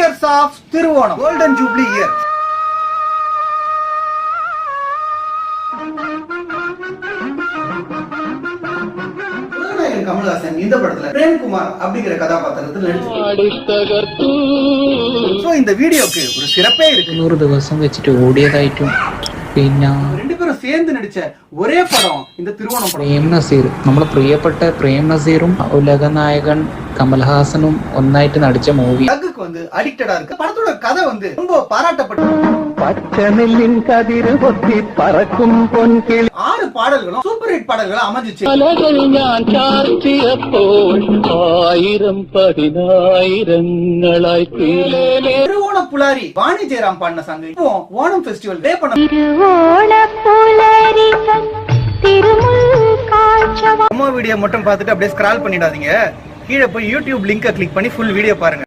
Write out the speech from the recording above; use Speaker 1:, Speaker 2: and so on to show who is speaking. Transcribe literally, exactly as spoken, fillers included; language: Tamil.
Speaker 1: Years of Thiruvonam, golden jubilee year. Kamal Haasan இந்த படத்துல பிரேம்குமார் அப்படிங்கிற கதாபாத்திரத்தில் நடிச்சிருக்காரு. சோ இந்த வீடியோக்கு ஒரு சிறப்பே இருக்கு.
Speaker 2: നൂറ് ദിവസം വെച്ചിട്ട് ഓടിയതായിട്ടും പിന്നെ
Speaker 1: ரெண்டு பேரும் சேர்ந்து நடிச்ச ஒரே படம் இந்த திருவோணம் படம்.
Speaker 2: പ്രേം നസീർ, നമ്മുടെ പ്രിയപ്പെട്ട പ്രേം നസീറും ഉലക നായകൻ കമൽഹാസനും ഒന്നായിട്ട് നടിച്ച മൂവി.
Speaker 1: அதுக்கு வந்து அடிக்டடா இருக்கு. படத்தோட கதை வந்து ரொம்ப பாராட்டப்பட்டது.
Speaker 3: பச்சைநெல்லின் கதிர் ஒத்தி பறக்கும் பொன்கிளி.
Speaker 1: ஆறு பாடல்களும் சூப்பர் ஹிட் பாடல்களா அமைஞ்சிச்சு.
Speaker 3: ഞാൻ ചാർത്തിയപ്പോൾ ആയിരം പതിനായിരങ്ങളായി
Speaker 1: திருவோண புலாரி வாணி ஜெயராம் பாடின சாங் இப்போ ஓணம் ஃபெஸ்டிவல் டே பண்ண. அம்மா வீடியோ மட்டும் பார்த்துட்டு அப்படியே ஸ்க்ரால் பண்ணிடாதீங்க. கீழே போய் யூடியூப் லிங்கை கிளிக் பண்ணி ஃபுல் வீடியோ பாருங்க.